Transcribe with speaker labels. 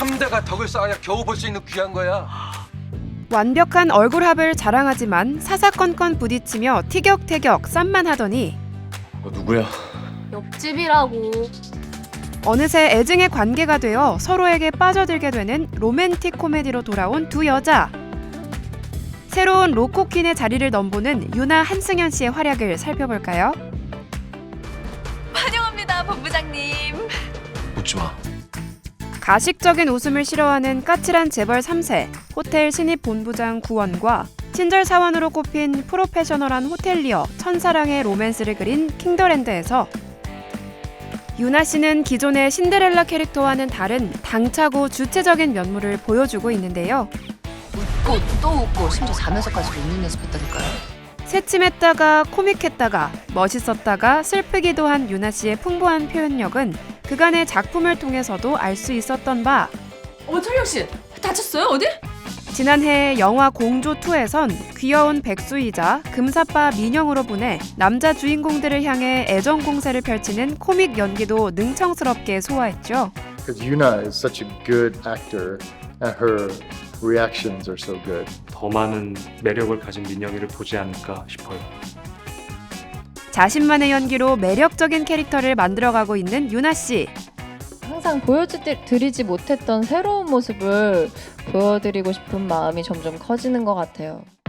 Speaker 1: 3대가 덕을 쌓아야 겨우 볼 수 있는 귀한 거야.
Speaker 2: 완벽한 얼굴합을 자랑하지만 사사건건 부딪히며 티격태격 쌈만 하더니
Speaker 1: 너 누구야?
Speaker 3: 옆집이라고.
Speaker 2: 어느새 애증의 관계가 되어 서로에게 빠져들게 되는 로맨틱 코미디로 돌아온 두 여자. 새로운 로코퀸의 자리를 넘보는 유나 한승연 씨의 활약을 살펴볼까요?
Speaker 4: 환영합니다, 본부장님.
Speaker 1: 웃지 마.
Speaker 2: 가식적인 웃음을 싫어하는 까칠한 재벌 3세, 호텔 신입 본부장 구원과 친절 사원으로 꼽힌 프로페셔널한 호텔리어 천사랑의 로맨스를 그린 킹더랜드에서 유나 씨는 기존의 신데렐라 캐릭터와는 다른 당차고 주체적인 면모를 보여주고 있는데요.
Speaker 4: 웃고 또 웃고 심지어 자면서까지 웃는 연습했다니까요.
Speaker 2: 새침했다가 코믹했다가 멋있었다가 슬프기도 한 유나 씨의 풍부한 표현력은 그간의 작품을 통해서도 알 수 있었던 바.
Speaker 4: 철영 씨 다쳤어요 어디?
Speaker 2: 지난해 영화 공조2에선 귀여운 백수이자 금사빠 민영으로 보내 남자 주인공들을 향해 애정 공세를 펼치는 코믹 연기도 능청스럽게 소화했죠.
Speaker 5: Because Yuna is such a good actor and her reactions are so good.
Speaker 6: 더 많은 매력을 가진 민영이를 보지 않을까 싶어요.
Speaker 2: 자신만의 연기로 매력적인 캐릭터를 만들어가고 있는 유나 씨.
Speaker 7: 항상 보여드리지 못했던 새로운 모습을 보여드리고 싶은 마음이 점점 커지는 것 같아요.